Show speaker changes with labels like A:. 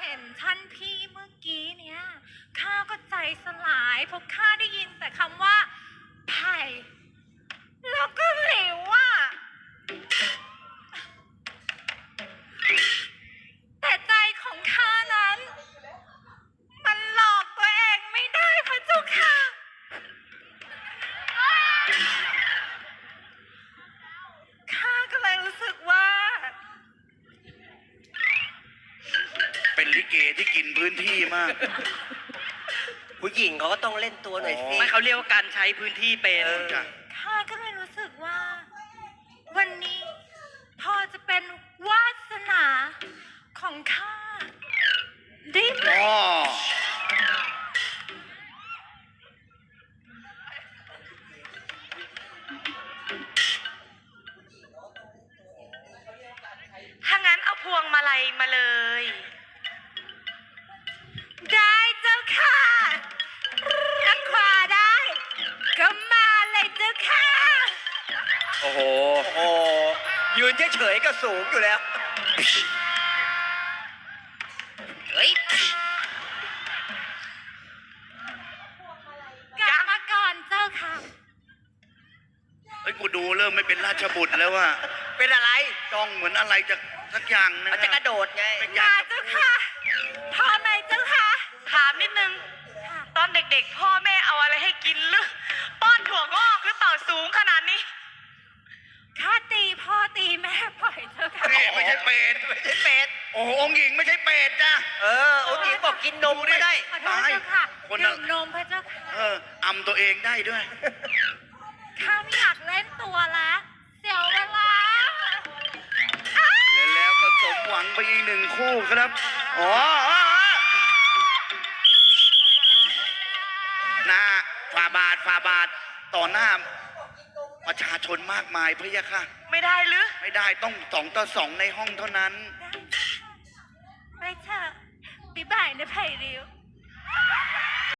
A: เห็นท่านพี่เมื่อกี้เนี่ยข้าก็ใจสลายเพราะข้าได้ยินแต่คำว่าไผ่แล้วก็หลิวอ่ะแต่ใจของข้านั้นมันหลอกตัวเองไม่ได้พระเจ้าค่ะข้าก็เลยรู้สึกว่า
B: เป็นลิเกที่กินพื้นที่มาก
C: ผู้หญิงเขาก็ต้องเล่นตัวหน่อยสิ
D: ไม่เขาเรียกว่าการใช้พื้นที่เป็น
B: จ้ะ
A: ข้าก็เลยรู้สึกว่าวันนี้พอจะเป็นวาสนาของข้าได้ไหม
B: อ๋อ
D: ถ้างั้นเอาพวงมาลัยมาเลย
A: ได้เจ้าค่ะถ้าขวาได้ ก็มาเลยเจ้าค่ะ
C: โอ้โหยืนเฉยๆก็สูงอยู่แล้วเฮ้ย
A: กลับมาก่อนเจ้าค่ะ
B: เฮ้ยกูดูเริ่มไม่เป็นราชบุตรแล้วว่า
C: เป็นอะไร
B: จ้องเหมือนอะไรจะสักอย่างนึง
C: มันจะกระโดดไง
B: ไม่อยา
A: มาก เจ้าค่ะพอไหมเจ้าค่ะ
D: ถามนิดนึง ตอนเด็กๆ พ่อแม่เอาอะไรให้กินหรือป้อนถั่วงอกหรือเปล่าสูงขนาดนี้
A: ข้าตีพ่อตีแม่ปล่อยเจ้าค่ะ
B: นี่ไม่ใช่เป็ด
C: ไม่ใช่เป็ด
B: โอ้โหองค์หญิงไม่ใช่เป็ดจ้ะ
C: องค์หญิงบอกกินนมไม่ได้
A: ขอโทษเจ้าค่ะ
B: คนละ
A: ดื่มนมพระเจ้าค่ะ
B: อำตัวเองได้ด้วย
A: ข้าไม่อยากเล่นตัวแล้วเสียเวลา
B: แล้วก็สมหวังไปอีกหนึ่งคู่ครับ อ๋อหน้าฝ่าบาทต่อหน้าประชาชนมากมายพะยะค่ะ
D: ไม่ได้หรือ
B: ไม่ได้ต้อง2 ต่อ 2ในห้องเท่านั้น
A: ไปเถอะบ๊ายบายนะไผ่ริ้ว